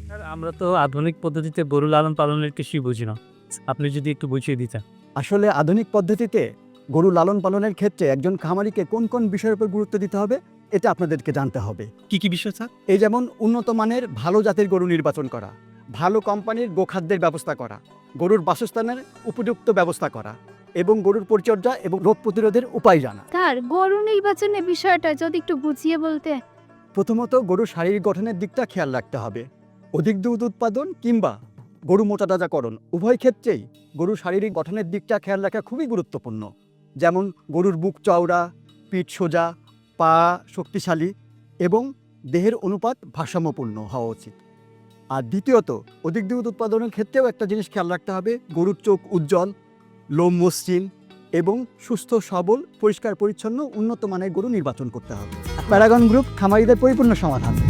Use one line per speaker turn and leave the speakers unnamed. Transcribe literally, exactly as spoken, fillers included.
Sir আমরা তো আধুনিক পদ্ধতিতে গরু লালন পালনের কিছুই বুঝি না। আপনি যদি একটু বুঝিয়ে দিতেন।
আসলে আধুনিক পদ্ধতিতে গরু লালন পালনের ক্ষেত্রে একজন খামারিকে কোন কোন বিষয়ের উপর গুরুত্ব দিতে হবে এটা আপনাদেরকে জানতে হবে।
কি কি বিষয় স্যার?
এই যেমন উন্নত মানের ভালো জাতের গরু নির্বাচন করা, ভালো কোম্পানির গোখাদ্যের ব্যবস্থা করা, গরুর বাসস্থানের উপযুক্ত ব্যবস্থা করা এবং গরুর পরিচর্যা এবং রোগ প্রতিরোধের উপায় জানা।
স্যার গরু নির্বাচনের বিষয়টা যদি একটু বুঝিয়ে বলতে।
প্রথমত গরুর শারীরিক গঠনের দিকটা খেয়াল রাখতে হবে। অধিক দুধ উৎপাদন কিংবা গরু মোটাতাজাকরণ উভয় ক্ষেত্রেই গরুর শারীরিক গঠনের দিকটা খেয়াল রাখা খুবই গুরুত্বপূর্ণ। যেমন গরুর বুক চওড়া, পিঠ সোজা, পা শক্তিশালী এবং দেহের অনুপাত ভারসাম্যপূর্ণ হওয়া উচিত। আর দ্বিতীয়ত অধিক দুধ উৎপাদনের ক্ষেত্রেও একটা জিনিস খেয়াল রাখতে হবে, গরুর চোখ উজ্জ্বল, লোম মসৃণ এবং সুস্থ সবল পরিষ্কার পরিচ্ছন্ন উন্নত মানের গরু নির্বাচন করতে হবে। প্যারাগন গ্রুপ খামারিদের পরিপূর্ণ সমাধান।